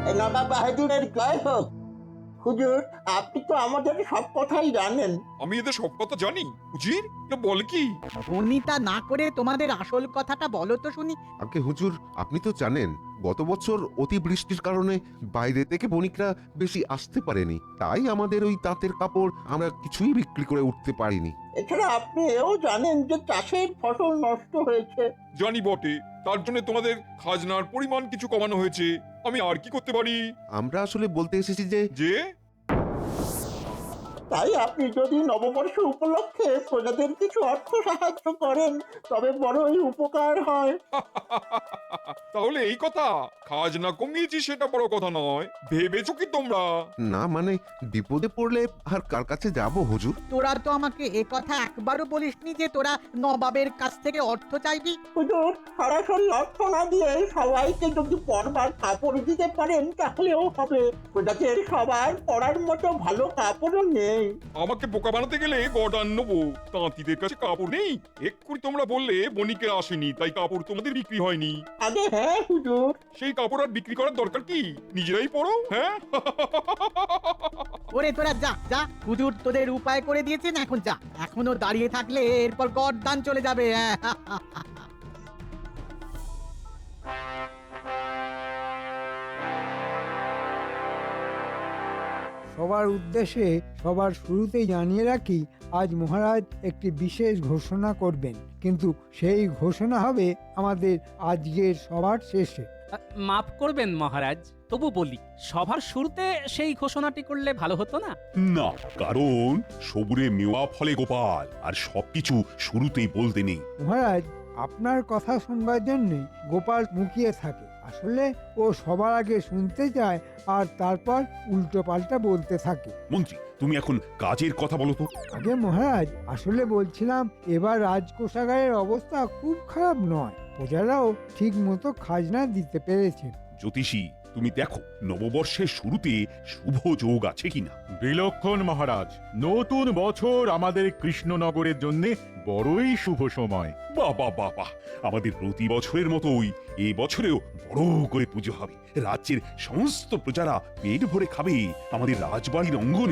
নবাব বাহাদুরের জয় হোক। হুজুর, আপনি তো আমাদের সব কথাই জানেন। আমি এদের সব কথা জানি। উজির বল কি? বনিতা না করে তোমাদের আসল কথাটা বলো তো শুনি। আগে হুজুর, আপনি তো জানেন গত বছর অতিবৃষ্টির কারণে বাইরে থেকে বণিকরা বেশি আসতে পারেনি, তাই আমাদের ওই তাঁতের কাপড় আমরা কিছুই বিক্রি করে উঠতে পারিনি। এছাড়া আপনি এও জানেন যে চাষের ফসল নষ্ট হয়েছে। জানি বটে, তার জন্য তোমাদের খাজনার পরিমাণ কিছু কমানো হয়েছে। আমি আর কি করতে পারি? আমরা আসলে বলতে এসেছি যে যে তাই আপনি যদি নববর্ষ উপলক্ষে প্রজাদের কিছু অর্থ সাহায্য করেন তবে বড়ই উপকার হয়। তাহলে এই কথা, খাজনা কমিয়েছি সেটা বড় কথা নয়, ভেবেছো কি তোমরা? না মানে বিপদে পড়লে আর কার কাছে যাব হুজুর? তোরা তো আমাকে এ কথা একবারও বলিসনি যে তোরা নবাবের কাছ থেকে অর্থ চাইবি। হুজুর, সরাসরি অর্থ না দিয়ে সবাইকে যদি পরবার কাপড় দিতে পারেন তাহলেও হবে। প্রজাদের সবার পরার মতো ভালো কাপড়ও নেই। আমাকে বোকা বানাতে গেলে গডান নেবো। তাঁতিদের কাছে কাপড় নেই? এক্ষুনি তোমরা বললে বণিকেরা আসেনি তাই কাপড় তোমাদের বিক্রি হয়নি। আগে হ্যাঁ হুজুর। সেই কাপড় আর বিক্রি করার দরকার কি? নিজেরাই পরো। হ্যাঁ ওরে তোরা যা যা, হুজুর তোদের উপায় করে দিয়েছেন, এখন যা। এখনো দাঁড়িয়ে থাকলে এরপর গরদান চলে যাবে। সবার উদ্দেশ্যে সবার শুরুতেই জানিয়ে রাখি, আজ মহারাজ একটি বিশেষ ঘোষণা করবেন, কিন্তু সেই ঘোষণা হবে আমাদের আজকের সবার শেষে। মাফ করবেন মহারাজ, তবু বলি সভার শুরুতে সেই ঘোষণাটি করলে ভালো হতো না? না, কারণ সবুরে মেওয়া ফলে গোপাল, আর সবকিছু শুরুতেই বলতে নেই। মহারাজ, আপনার কথা শুনবার জন্য গোপাল মুখিয়ে থাকে। আসলে ও সবার আগে শুনতে চায় আর তারপর উল্টো পাল্টা বলতে থাকে। মন্ত্রী, তুমি এখন কাজের কথা বলো তো। আগে মহারাজ, আসলে বলছিলাম এবার রাজকোষাগারের অবস্থা খুব খারাপ নয়, প্রজারাও ঠিক মতো খাজনা দিতে পেরেছে। জ্যোতিষী, তুমি দেখো নববর্ষের শুরুতে শুভ যোগ আছে কিনা। বিলক্ষণ মহারাজ, নতুন বছর আমাদের কৃষ্ণনগরের জন্য বড়ই শুভ সময়। বাহ বাহ বাহ বাহ, আমাদের প্রতি বছরের মতোই এই বছরেও বড় করে পুজো হবে। রাজ্যের সমস্ত প্রজারা পেট ভরে খাবে আমাদের রাজবাড়ির অঙ্গনে।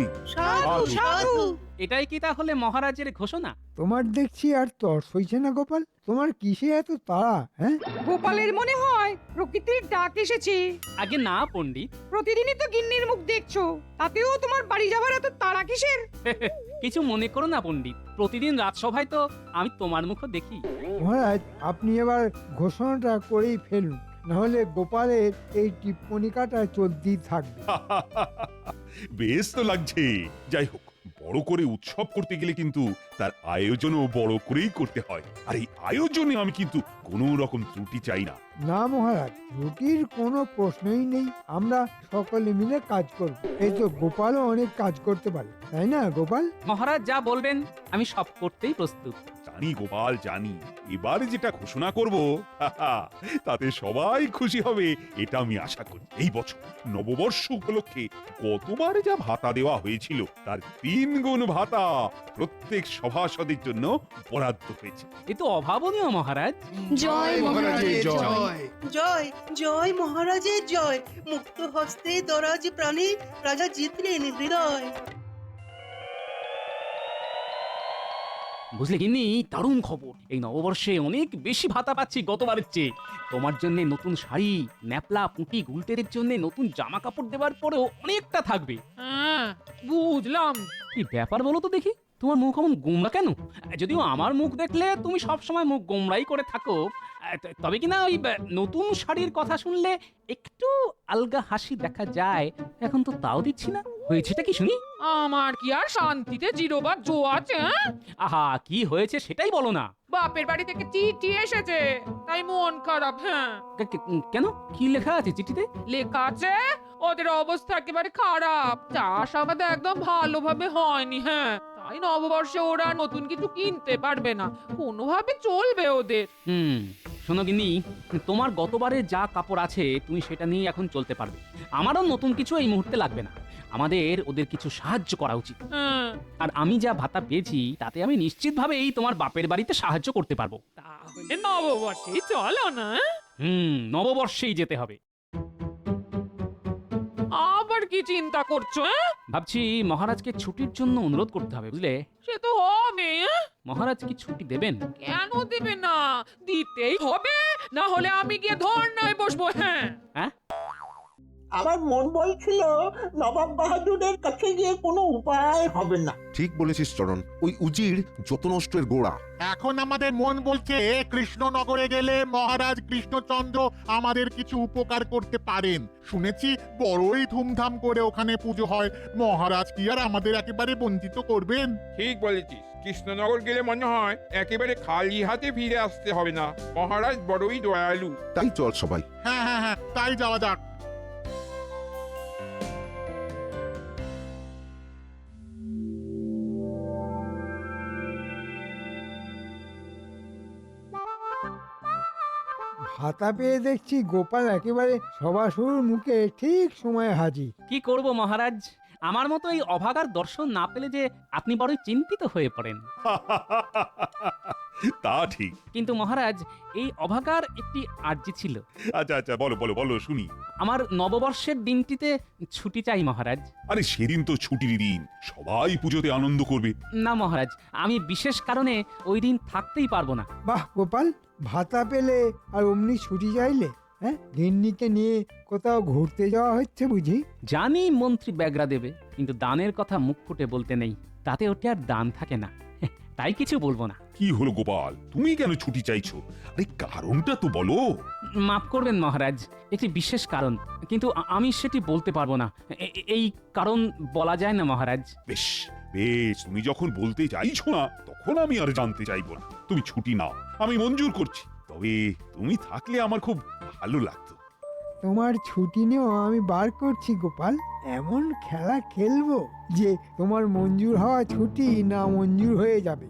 এটাই কি তাহলে মহারাজের ঘোষণা? তোমার দেখছি আর তর্স হইছে না গোপাল, তোমার কিসে এত তাড়া? হ্যাঁ, গোপালের মনে হয় প্রকৃতির ডাক এসেছে। আগে না পণ্ডিত, প্রতিদিনই তো গিন্নির মুখ দেখছো, তাতেও তোমার বাড়ি যাবার এত তাড়া কিসের? কিছু মনে করো না পণ্ডিত, প্রতিদিন রাজসভায় তো আমি তোমার মুখও দেখি। মহারাজ, আপনি এবার ঘোষণাটা করেই ফেলুন, নাহলে গোপালের এই টিপ্পণিকাটা চলতেই থাকবে। বেশ তো লাগছে। যাই হোক, বড় করে উৎসব করতে গেলে কিন্তু তার আয়োজনও বড় করেই করতে হয়, আর এই আয়োজনে আমি কিন্তু কোনো রকম ত্রুটি চাই না। না মহারাজ, রুটির কোনো প্রশ্নই নেই, আমরা সকলে মিলে কাজ করব। এই তো গোপালও অনেক কাজ করতে পারে, তাই না গোপাল? মহারাজ যা বলবেন আমি সব করতেই প্রস্তুত। জানি গোপাল, জানি। এবার যেটা ঘোষণা করব তাতে সবাই খুশি হবে, এটা আমি আশা করি। এই বছর নববর্ষ উপলক্ষে গতবার যা ভাতা দেওয়া হয়েছিল তার 3 গুণ ভাতা প্রত্যেক সভাসদের জন্য বরাদ্দ হয়েছে। এ তো অভাবনীয় মহারাজ। জয় মহারাজের জয়। জয় জয় মহারাজের জয়। মুক্ত হস্তে দরাজ প্রাণে রাজা জিতলেন হৃদয়। বুঝলে গিন্নি, দারুণ খবর, এই নববর্ষে অনেক বেশি ভাতা পাচ্ছি গতবারের চেয়ে। তোমার জন্য নতুন শাড়ি, ন্যাপলা, পুঁটি, গুলটেদের জন্য নতুন জামা কাপড় দেওয়ার পরেও অনেকটা থাকবে। হ্যাঁ, বুঝলাম। কি ব্যাপার বলো তো দেখি, তোমার মুখ এমন গোমরা কেন? যদিও আমার মুখ দেখলে তুমি সব সময় মুখ গোমরাই করে থাকো, তবে কিনা ওই নতুন শাড়ির কথা শুনলে একটু আলগা হাসি দেখা যায়। এখন তো তাও দিচ্ছি না, হয়েছেটা কি শুনি? আমার কি আর শান্তিতে জিরোবার জো আছে? আহা, কি হয়েছে সেটাই বলো না। বাপের বাড়ি থেকে চিঠি এসেছে, তাই মন খারাপ। হ্যাঁ, কেন, কি লেখা আছে চিঠিতে? লেখা আছে ওদের অবস্থা একেবারে খারাপ, চাষাবাদ একদম ভালোভাবে হয়নি। হ্যাঁ, তাই নববর্ষে ওরা নতুন কিছু কিনতে পারবে না, কোনোভাবে চলবে ওদের। শোনো গিন্নি, তোমার গতবারে যা কাপড় আছে তুমি সেটা নিয়ে এখন চলতে পারবে। আমারও নতুন কিছু এই মুহূর্তে লাগবে না। আমাদের ওদের কিছু সাহায্য করা উচিত। আর আমি যা ভাতা পেয়েছি তাতে আমি নিশ্চিতভাবেই তোমার বাপের বাড়িতে সাহায্য করতে পারবো। তাহলে নববর্ষেই চলো না? নববর্ষেই যেতে হবে। কি চিন্তা করছো? হ্যাঁ, ভাবছি মহারাজকে ছুটির জন্য অনুরোধ করতে হবে, বুঝলে? সে তো হবে। মহারাজ কি ছুটি দেবেন? কেন দেবে না? দিতেই হবে, না হলে আমি গিয়ে ধর্নায় বসবো। হ্যাঁ, হ্যাঁ, আমার মন বলছিল নবাব বাহাদুরের কাছে গিয়ে কোনো উপায় হবে না। ঠিক বলেছিস চরণ, ওই উজির যত নষ্টের গোড়া। এখন আমাদের মন বলছে কৃষ্ণনগরে গেলে মহারাজ কৃষ্ণচন্দ্র আমাদের কিছু উপকার করতে পারেন। শুনেছি বড়ই ধুমধাম করে ওখানে পুজো হয়। মহারাজ কি আর আমাদের একেবারে বঞ্চিত করবেন? ঠিক বলেছিস, কৃষ্ণনগর গেলে মনে হয় একেবারে খালি হাতে ফিরে আসতে হবে না। মহারাজ বড়ই দয়ালু। তাই চল সবাই। হ্যাঁ হ্যাঁ হ্যাঁ, তাই যাওয়া যাক। ভাতা পেয়ে দেখছি গোপাল একেবারে সবার মুখে ঠিক সময়ে হাজির। কি করব মহারাজ, আমার মতো এই অভাগার দর্শন না পেলে যে আপনি বড়ই চিন্তিত হয়ে পড়েন। তা ঠিক। কিন্তু মহারাজ, এই অভাগার একটি আর্জি ছিল। আচ্ছা আচ্ছা, বলো বলো বলো শুনি। আমার নববর্ষের দিনটিতে ছুটি চাই মহারাজ। আরে সেদিন তো ছুটির দিন, সবাই পুজোতে আনন্দ করবে। না মহারাজ, আমি বিশেষ কারণে ওই দিন থাকতেই পারবো না। বাহ গোপাল, ভাতা পেলে আর অমনি ছুটি চাইলে? হ্যাঁ, গিন্নিকে নিয়ে কোথাও ঘুরতে যাওয়া হচ্ছে বুঝি? জানি মন্ত্রী ব্যাগরা দেবে, কিন্তু দানের কথা মুখ ফুটে বলতে নেই, তাতে ওটা আর দান থাকে না। তাই কিছু বলবো না। কি হলো গোপাল, তুমি কেন ছুটি চাইছো? আরে কারণটা তো বলো। মাফ করবেন মহারাজ, একটি বিশেষ কারণ, কিন্তু আমি সেটি বলতে পারবো না। এই কারণ বলা যায় না মহারাজ। বেশ বেশ, তুমি যখন বলতে চাইছো না তখন আমি আর জানতে চাইবো না। তুমি ছুটি নাও, আমি মঞ্জুর করছি। তবে তুমি থাকলে আমার খুব ভালো লাগতো। তোমার ছুটি নিয়েও আমি বার করছি গোপাল। এমন খেলা খেলবো যে তোমার মঞ্জুর হওয়া ছুটি না মঞ্জুর হয়ে যাবে।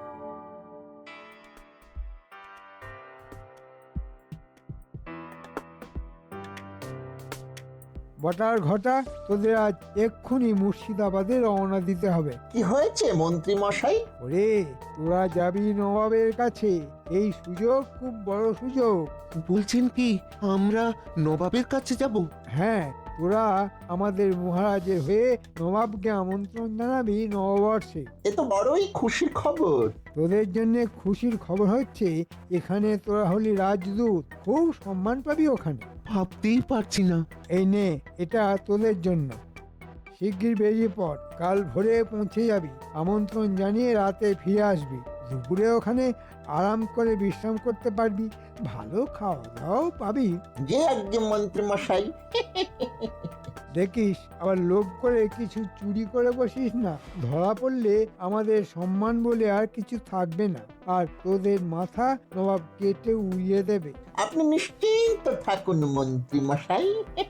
বটার ঘটা, তোদের আজ এক্ষুনি মুর্শিদাবাদে রওনা দিতে হবে। কি হয়েছে মন্ত্রী মশাই? ওরে, তোরা যাবি নবাবের কাছে। এই সুযোগ খুব বড় সুযোগ। বলছেন কি আমরা নবাবের কাছে যাব? হ্যাঁ, তোরা আমাদের মহারাজের হয়ে নবাবকে আমন্ত্রণ জানাবি নববর্ষে। এ তো বড়ই খুশির খবর। তোদের জন্য খুশির খবর হচ্ছে এখানে তোরা হলি রাজদূত, খুব সম্মান পাবি ওখানে। ভাবতেই পারছি না। এই নে, এটা তোদের জন্য। শিগগির বেরিয়ে পড়, কাল ভোরে পৌঁছে যাবি। আমন্ত্রণ জানিয়ে রাতে ফিরে আসবি। দুপুরে ওখানে আরাম করে বিশ্রাম করতে পারবি, ভালো খাওয়া দাওয়াও পাবি। যে একজন মন্ত্রী মশাই। দেখিস আবার লোভ করে কিছু চুরি করে বসিস না। ধরা পড়লে আমাদের সম্মান বলে আর কিছু থাকবে না, আর তোদের মাথা নবাব কেটে উড়িয়ে দেবে। আপনি নিশ্চিন্ত থাকুন মন্ত্রী মশাই।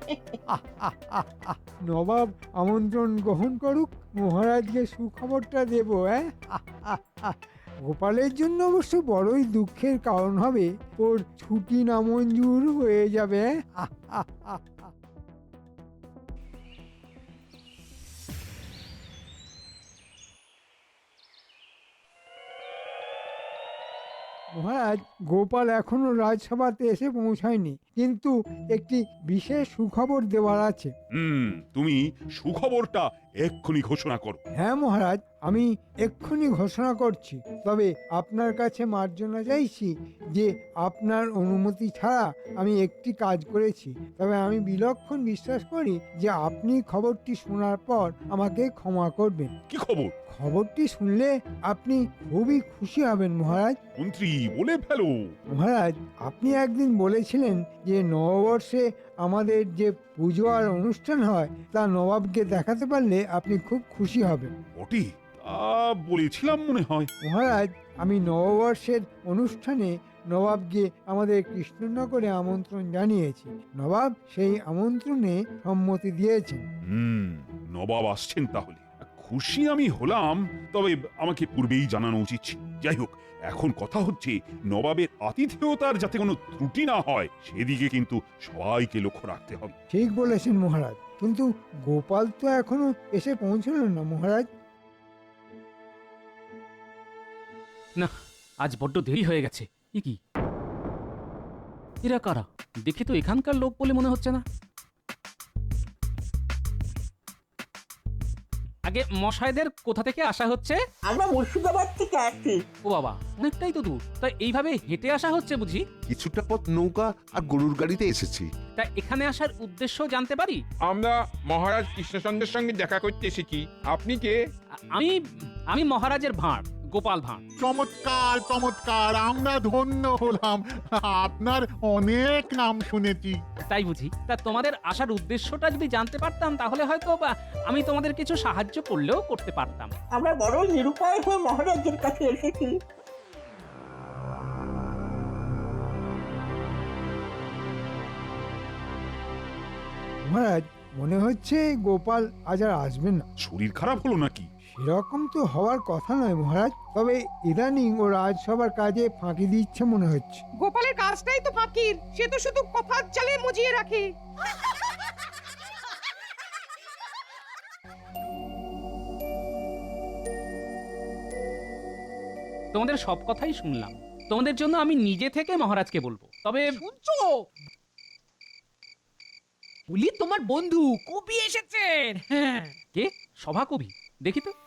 নবাব আমন্ত্রণ গ্রহণ করুক, মহারাজকে সুখবরটা দেব। গোপালের জন্য অবশ্য বড়ই দুঃখের কারণ হবে, ওর ছুটি নামঞ্জুর হয়ে যাবে। মহারাজ, গোপাল এখনো রাজসভাতে এসে পৌঁছায়নি, কিন্তু একটি বিশেষ সুখবর দেওয়ার আছে। তুমি সুখবরটা এক্ষুনি ঘোষণা করো। হ্যাঁ মহারাজ, আমি এক্ষুনি ঘোষণা করছি। তবে আপনার কাছে মার্জনা চাইছি যে আপনার অনুমতি ছাড়া আমি একটি কাজ করেছি। তবে আমি বিলক্ষণ বিশ্বাস করি যে আপনি খবরটি শোনার পর আমাকে ক্ষমা করবেন। কি খবর? খবরটি শুনলে আপনি খুবই খুশি হবেন মহারাজ। মন্ত্রী বলে ফেলো। মহারাজ, আপনি একদিন বলেছিলেন যে নববর্ষে আমাদের যে পুজো আর অনুষ্ঠান হয় তা নবাবকে দেখাতে পারলে আপনি খুব খুশি হবেন। ওটি বলেছিলাম মনে হয়। মহারাজ, আমি নববর্ষের অনুষ্ঠানে নবাবকে আমাদের কৃষ্ণনগরে আমন্ত্রণ জানিয়েছি। নবাব সেই আমন্ত্রণে সম্মতি দিয়েছেন। নবাব আসছেন তাহলে। খুশি আমি হলাম, তবে আমাকে পূর্বেই জানানো উচিত ছিল। যাই হোক, এখন কথা হচ্ছে নবাবের আতিথেয়তার যাতে কোনো ত্রুটি না হয় সেদিকে কিন্তু সবাইকে লক্ষ্য রাখতে হবে। ঠিক বলেছেন মহারাজ, কিন্তু গোপাল তো এখনো এসে পৌঁছল না মহারাজ। না, আজ বড্ড দেরি হয়ে গেছে। কি এরা কারা? দেখে তো এখানকার লোক বলে মনে হচ্ছে না। আগে মশাইদের কোথা থেকে আসা হচ্ছে? আমরা মুর্শিদাবাদ থেকে আসছি। ও বাবা, অনেকটাই তো দূর। তা এইভাবে হেঁটে আসা হচ্ছে বুঝি? কিছুটা পথ নৌকা আর গরুর গাড়িতে এসেছি। তা এখানে আসার উদ্দেশ্য জানতে পারি? আমরা মহারাজ কৃষ্ণচন্দ্রের সঙ্গে দেখা করতে এসেছি। আপনি কে? আমি আমি মহারাজের ভাঁড়, গোপাল ভাঁড়। চমৎকার চমৎকার, আমরা ধন্য হলাম। আপনার অনেক নাম শুনেছি। তাই বুঝি? তা তোমাদের আসার উদ্দেশ্যটা যদি জানতে পারতাম তাহলে হয়তো বা আমি তোমাদের কিছু সাহায্য করলেও করতে পারতাম। আমরা বড় নিরুপায় হয়ে মহারাজের কাছে এসেছি। মহারাজ, মনে হচ্ছে গোপাল আজ আর আসবেন না। শরীর খারাপ হলো নাকি? সেরকম তো হওয়ার কথা নয় মহারাজ, তবে ইদানিং ও রাজসভার কাজে ফাঁকি দিচ্ছে মনে হচ্ছে। গোপালের কাজটাই তো ফাঁকির, সে তো শুধু কথার চালে মুজিয়ে রাখে। তোমাদের সব কথাই শুনলাম। তোমাদের জন্য আমি নিজে থেকে মহারাজকে বলবো। তবে শুনছো? বলি তোমার বন্ধু কবি এসেছেন। হ্যাঁ, কে? সভাকবি? দেখি তো।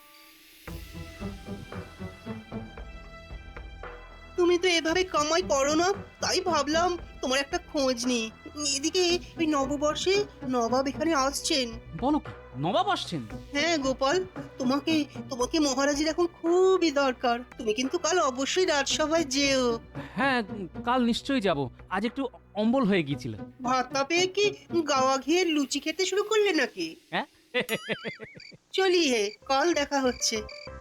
তুমি তো এভাবে কামাই করো না, তাই ভাবলাম তোমার একটা খোঁজ নি। এদিকে ওই নববর্ষে নবাব এখানে আসছেন। বলো কি, নবাব আসছেন? হ্যাঁ গোপাল, তোমাকে তোমাকে মহারাজের এখন খুবই দরকার। তুমি কিন্তু কাল অবশ্যই রাজসভায় যেও। হ্যাঁ, কাল নিশ্চয়ই যাব। আজ একটু অম্বল হয়ে গিয়েছিল। ভাতটা পেয়ে কি গাওয়া ঘিয়ের লুচি খেতে শুরু করলে নাকি? হ্যাঁ। চলি হে, কাল দেখা হচ্ছে।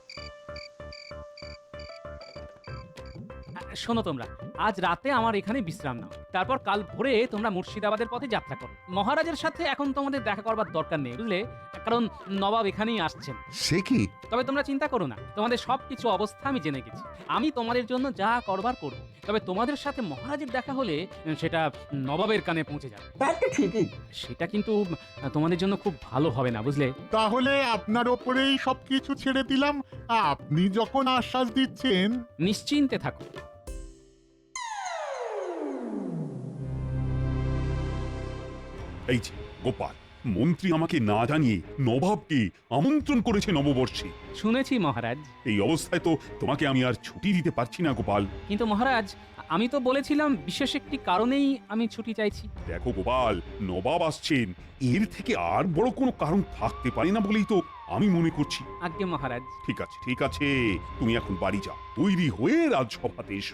শোনো তোমরা, আজ রাতে আমার এখানে বিশ্রাম নাও। তারপর কাল ভোরে তোমরা মুর্শিদাবাদের পথে যাত্রা করো। মহারাজের সাথে এখন তোমাদের দেখা করবার দরকার নেই, বুঝলে? কারণ নবাব এখানেই আসছেন। সে কি? তবে তোমরা চিন্তা করো না, তোমাদের সবকিছু অবস্থা আমি জেনে গেছি। আমি তোমাদের জন্য যা করবার করব। তবে তোমাদের সাথে মহারাজের দেখা হলে সেটা নবাবের কানে পৌঁছে যাবে। তা তো ঠিকই। সেটা কিন্তু তোমাদের জন্য খুব ভালো হবে না, বুঝলে? তাহলে আপনার ওপরেই সবকিছু ছেড়ে দিলাম। আপনি যখন আশ্বাস দিচ্ছেন। নিশ্চিন্তে থাকো। এই যে গোপাল, মন্ত্রী আমাকে না জানিয়ে নবাবকে আমন্ত্রণ করেছে নববর্ষে। শুনেছি মহারাজ। এই অবস্থায় তো তোমাকে আমি আর ছুটি দিতে পারছি না গোপাল। কিন্তু মহারাজ, আমি তো বলেছিলাম বিশেষ একটি কারণেই আমি ছুটি চাইছি। দেখো গোপাল, নবাব আসছেন, এর থেকে আর বড় কোনো কারণ থাকতে পারে না বলেই তো আমি মনে করছি। আজ্ঞে মহারাজ। ঠিক আছে ঠিক আছে, তুমি এখন বাড়ি যাও, তৈরি হয়ে রাজসভাতে এসো।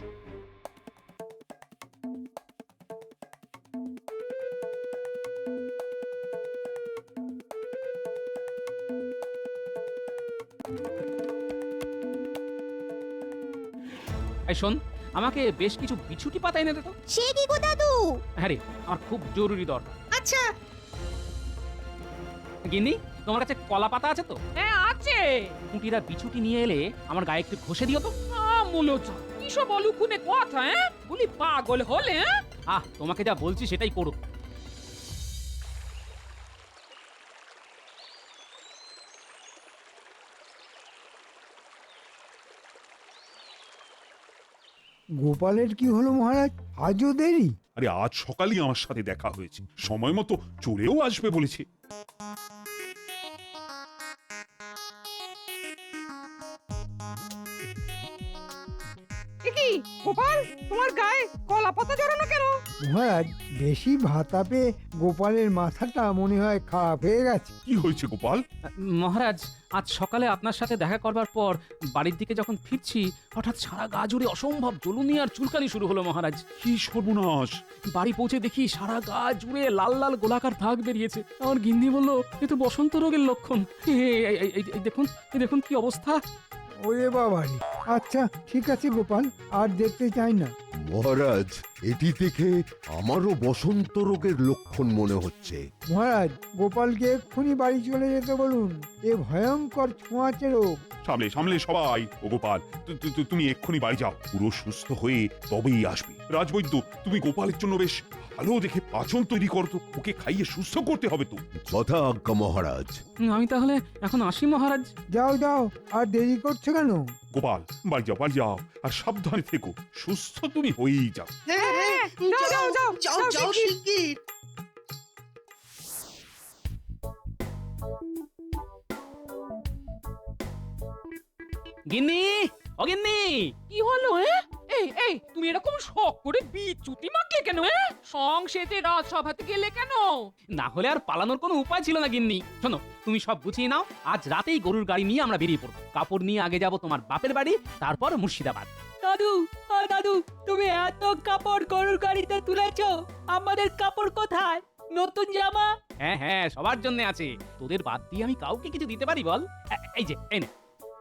এই শোন, আমাকে বেশ কিছু বিছুটি পাতা এনে দে তো। সে কি গো দাদু? হ্যাঁ রে, আমার খুব জরুরি দরকার। আচ্ছা। গিন্নি, তোমার কাছে কলা পাতা আছে তো? হ্যাঁ আছে। কুটিরা বিছুটি নিয়ে এলে আমার গায়ে একটু ঘষে দিও তো। মূলত কি সব অলুকুনে কথা? হ্যাঁ, বলি পাগল হলে? আহ, তোমাকে যা বলছি সেটাই করো। গোপালের কি হলো মহারাজ? আজও দেরি? আরে আজ সকালেই আমার সাথে দেখা হয়েছে, সময় মতো চলেও আসবে বলেছে। কি গোপাল, তোমার গায়ে কলা পাতা জড়ানো কেন? মহারাজ, বেশি ভাতা পেয়ে গোপালের মাথাটা মনে হয় খারাপ হয়ে গেছে। কি হয়েছে গোপাল? মহারাজ, আজ সকালে আপনার সাথে দেখা করবার পর বাড়ির দিকে যখন ফিরছি, হঠাৎ সারা গা জুড়ে অসম্ভব জ্বলুনি আর চুলকানি শুরু হলো মহারাজ। কি সর্বনাশ! বাড়ি পৌঁছে দেখি সারা গা জুড়ে লাল লাল গোলাকার দাগ বেরিয়েছে। আমার গিন্নি বলল এ তো বসন্ত রোগের লক্ষণ। এই দেখুন, এই দেখুন কি অবস্থা। ওরে বাবারে! আচ্ছা ঠিক আছে গোপাল, আর দেখতে চাই না। মহারাজ, এটি থেকে আমারও বসন্ত রোগের লক্ষণ মনে হচ্ছে। মহারাজ, গোপালকে এক্ষুনি বাড়ি চলে যেতে বলুন। এ ভয়ঙ্কর ছোঁয়াচে রোগ। সামলে সামলে সবাই। ও গোপাল, তুমি এক্ষুনি বাড়ি যাও, পুরো সুস্থ হয়ে তবেই আসবে। রাজবৈদ্য, তুমি গোপালের জন্য বেশ ভালো দেখে পাচন তৈরি করো তো, ওকে খাইয়ে সুস্থ করতে হবে তো। যথা আজ্ঞা মহারাজ। আমি তাহলে এখন আসি মহারাজ। যাও যাও, আর দেরি করছো কেন? গোপাল, বাড়ি যাও বাড়ি যাও, আর সাবধানে থেকো, সুস্থ তুমি হয়েই যাও। হ্যাঁ হ্যাঁ, যাও যাও যাও যাও শিগগির। গিন্নি, ও গিন্নি। কি হলো এই তুমি এরকম শখ করে বিচুতি মাখলে কেন সংসেতে রাজসভাতে গেলে কেন? না হলে আর পালানোর কোনো উপায় ছিল না গিন্নি। শোনো, তুমি সব গুছিয়ে নাও, আজ রাতেই গরুর গাড়ি নিয়ে আমরা বেরিয়ে পড়বো। কাপড় নিয়ে আগে যাব তোমার বাপের বাড়ি, তারপর মুর্শিদাবাদ। দাদু, দাদু, তুমি এত কাপড় গরুর গাড়িতে তুলেছো, আমাদের কাপড় কোথায়? নতুন জামা? হ্যাঁ হ্যাঁ, সবার জন্য আছে। তোদের বাদ দিয়ে আমি কাউকে কিছু দিতে পারি বল? এই যে, এই নে।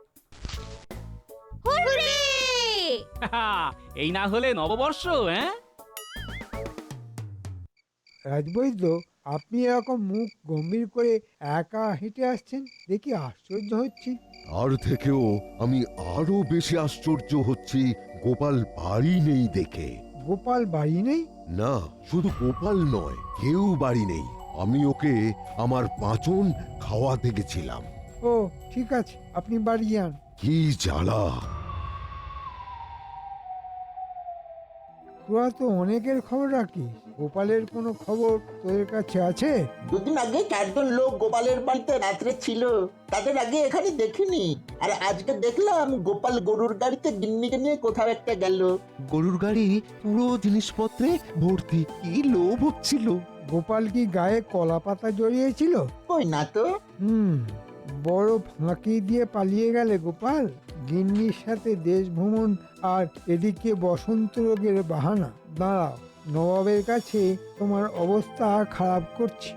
এই না হলে নববর্ষ। রাজবৈদ্য, আপনি এরকম মুখ গম্ভীর করে একা হেঁটে আসছেন দেখি আশ্চর্য হচ্ছি। আর থেকেও আমি আরো বেশি আশ্চর্য হচ্ছি গোপাল বাড়ি নেই দেখে। গোপাল বাড়ি নেই? না, শুধু গোপাল নয়, কেউ বাড়ি নেই। আমি ওকে আমার পাঁচন খাওয়াতে গেছিলাম। ও ঠিক আছে, আপনি বাড়ি যান। কি জ্বালা! তোরা তো অনেকের খবর রাখিস, গোপালের কোনো খবর তোদের কাছে আছে? দুদিন আগে 4 জন লোক গোপালের বাড়িতে রাত্রে ছিল, তাদের আগে এখানে দেখিনি। আর আজকে দেখলাম গোপাল গরুর গাড়িতে গিন্নিকে নিয়ে কোথাও একটা গেল। গরুর গাড়ি পুরো জিনিসপত্রে ভর্তি, কি লোভ হচ্ছিল। গোপাল কি গায়ে কলা পাতা জড়িয়েছিল? কই না তো। বড় ফাঁকি দিয়ে পালিয়ে গেলে গোপাল। গিন্নির সাথে দেশ ভ্রমণ আর এদিকে বসন্ত রোগের বাহানা। দাঁড়াও, নবাবের কাছে তোমার অবস্থা খারাপ করছি।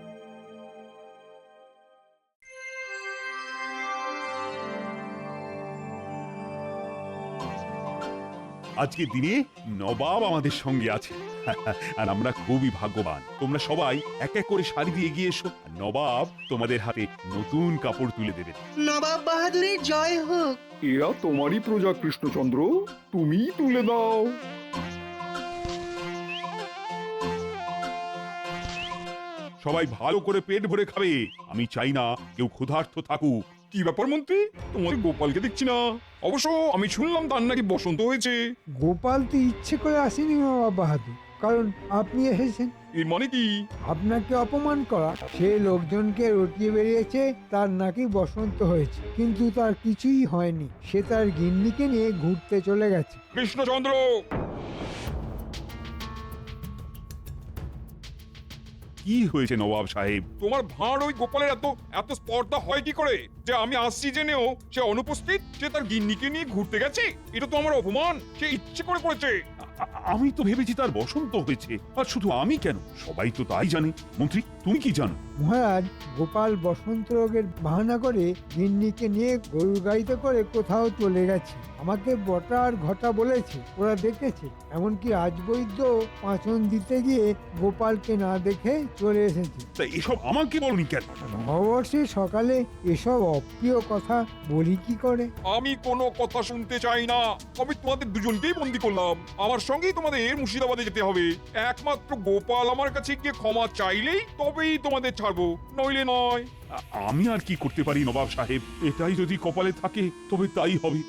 আজকের দিনে নবাব আমাদের সঙ্গে আছে আর আমরা খুবই ভাগ্যবান। তোমরা সবাই এক এক করে শাড়ি দিয়ে এগিয়ে এসো, আর নবাব তোমাদের হাতে নতুন কাপড় তুলে দেবেন। নবাব বাহাদুরের জয় হোক। এরা তোমারই প্রজা কৃষ্ণচন্দ্র, তুমিই তুলে দাও। সবাই ভালো করে পেট ভরে খাবে, আমি চাই না কেউ ক্ষুধার্ত থাকুক। কি ব্যাপার মন্ত্রী, তোমার গোপালকে দেখছি না? অবশ্য আমি শুনলাম তার নাকি বসন্ত হয়েছে। গোপাল তো ইচ্ছে করে আসেনি নবাব বাহাদুর, কারণ আপনি এসেছেন। এর মানে কি? আপনাকে অপমান করা, সে লোকজনকে রটিয়ে বেরিয়েছে তার নাকি বসন্ত হয়েছে, কিন্তু তার কিছুই হয়নি। সে তার গিন্নিকে নিয়ে ঘুরতে চলে গেছে। কৃষ্ণচন্দ্র! কি হয়েছে নবাব সাহেব? তোমার ভাঁড় ওই গোপালের এত এত স্পর্ধা হয় কি করে যে আমি আসছি জেনেও সে অনুপস্থিত, সে তার গিন্নিকে নিয়ে ঘুরতে গেছে? এটা তো আমার অপমান, সে ইচ্ছে করে করেছে। আমি তো ভেবেছি তার বসন্ত হয়েছে, আর শুধু আমি কেন, সবাই তো তাই জানে। মন্ত্রী, তুমি কি জানো? মহারাজ, গোপাল বসন্ত রোগের বাহানা করে গিন্নিকে নিয়ে গরুর গাড়িতে করে কোথাও চলে গেছে। আমাকে বটা আর ঘটা বলেছে, ওরা দেখেছে। এমনকি রাজবৈদ্য পাঁচন দিতে গিয়ে গোপালকে না দেখে চলে এসেছে। তা এসব আমাকে বলনি কেন? নববর্ষে সকালে এসব অপ্রিয় কথা বলি কি করে? আমি কোনো কথা শুনতে চাই না। আমি তোমাদের দুজনকেই বন্দি করলাম, আমার সঙ্গেই তোমাদের মুর্শিদাবাদে যেতে হবে। একমাত্র গোপাল আমার কাছে গিয়ে ক্ষমা চাইলেই তবেই তোমাদের ছাড়বো, নইলে নয়। আমি আর কি করতে পারি নবাব সাহেব? এটাই যদি কপালে থাকে তবে তাই হবে।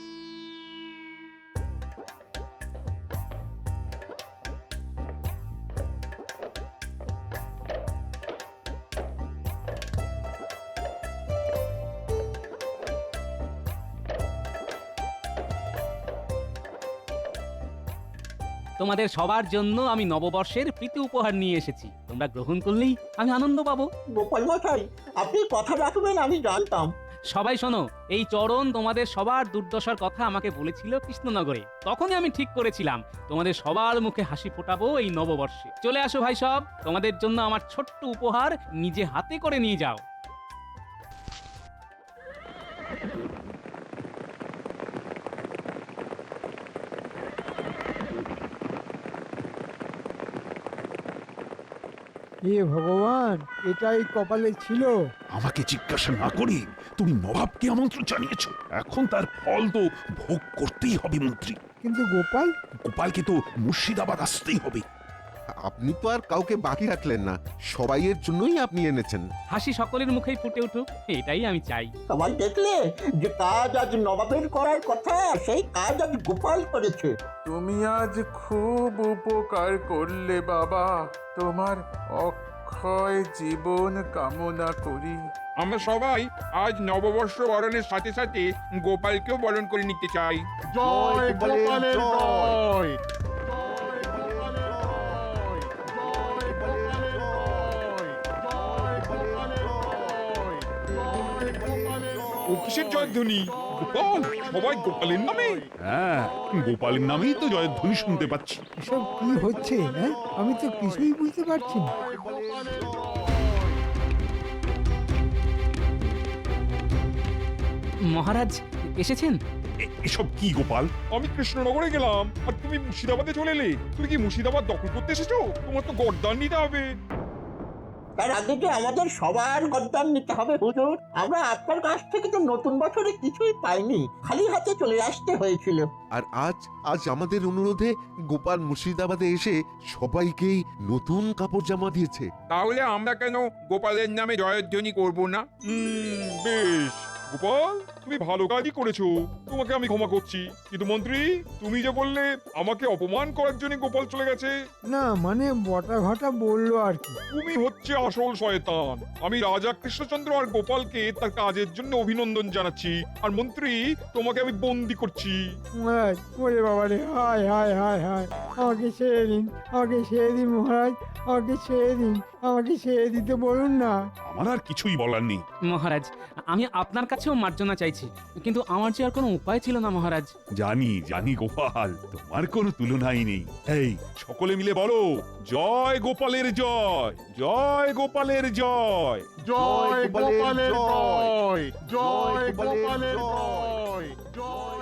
তোমাদের সবার জন্য আমি নববর্ষের প্রীতি উপহার নিয়ে এসেছি। তোমরা গ্রহণ করলেই আমি আনন্দ পাবো। গোপাল মশাই, আপনি কথা রাখবেন আমি জানতাম। সবাই শোনো, এই চরণ তোমাদের সবার দুর্দশার কথা আমাকে বলেছিল কৃষ্ণনগরে। তখনই আমি ঠিক করেছিলাম তোমাদের সবার মুখে হাসি ফোটাবো এই নববর্ষে। চলে আসো ভাই সব, তোমাদের জন্য আমার ছোট্ট উপহার নিজে হাতে করে নিয়ে যাও। হে ভগবান, এটাই কপালে ছিল। আমাকে জিজ্ঞাসা না করে তুমি নবাবকে আমন্ত্রণ জানিয়েছো, এখন তার ফল তো ভোগ করতেই হবে মন্ত্রী। কিন্তু গোপাল? গোপালকে তো মুর্শিদাবাদ আসতেই হবে। আপনি তো আর কাউকে বাকি রাখলেন না, সবাইয়ের জন্যই আপনি এনেছেন। হাসি সকলের মুখেই ফুটে উঠুক, এটাই আমি চাই। সবাই দেখলে যে কাজ আজ নবাবের করার কথা, সেই কাজ আজ গোপাল করেছে। তুমি আজ খুব উপকার করলে বাবা, তোমার অক্ষয় অক্ষয় জীবন কামনা করি। আমরা সবাই আজ নববর্ষ বরণের সাথে সাথে গোপালকেও বরণ করে নিতে চাই। জয় গোপালের জয়। ও কিসের জয়ধ্বনি? গোপাল, সবাই গোপালের নামে? হ্যাঁ, গোপালের নামেই তো জয়ধ্বনি শুনতে পাচ্ছি। এসব কি হচ্ছে? হ্যাঁ, আমি তো কিছুই বুঝতে পারছি না। মহারাজ এসেছেন? এসব কি গোপাল? আমি কৃষ্ণনগরে গেলাম আর তুমি মুর্শিদাবাদে চলে এলে। তুমি কি মুর্শিদাবাদ দখল করতে এসেছো? তোমার তো গর্দান নিতে হবে। তার আগে যে আমাদের সবার গদ্দান নিতে হবে হুজুর। আমরা আপনার কাছ থেকে তো নতুন বছরে কিছুই পাইনি, খালি হাতে চলে আসতে হয়েছিল। আর আজ আমাদের অনুরোধে গোপাল মুর্শিদাবাদে এসে সবাইকেই নতুন কাপড় জামা দিয়েছে। তাহলে আমরা কেন গোপালের নামে জয়ধ্বনি করব না? বেশ গোপাল, তুমি ভালো কাজই করেছো, তোমাকে আমি ক্ষমা করছি। কিন্তু মন্ত্রী, তুমি যে বললে আমাকে অপমান করার জন্য গোপাল চলে গেছে। না মানে বটা ঘটা বললো আর কি। তুমি হচ্ছে আসল শয়তান। আমি রাজা কৃষ্ণচন্দ্র আর গোপালকে তার কাজের জন্য অভিনন্দন জানাচ্ছি, আর মন্ত্রী তোমাকে আমি বন্দি করছি। মহারাজ, ওরে বাবা রে, হায় হায় হায় হায়, আমাকে ছেড়ে দিন, আমাকে ছেড়ে দিন মহারাজ, আমাকে ছেড়ে দিন, আমাকে ছেড়ে দিতে বলুন না। আমার আর কিছুই বলার নেই। মহারাজ, আমি আপনার কাছেও মার্জনা চাইছি, কিন্তু আমার যে আর কোনো উপায় ছিল না মহারাজ। জানি গোপাল, তোমার কোনো তুলনাই নেই। এই সকলে মিলে বলো, জয় গোপালের জয়, জয় গোপালের জয়। জয় গোপালের জয়। জয় গোপালের জয়। জয়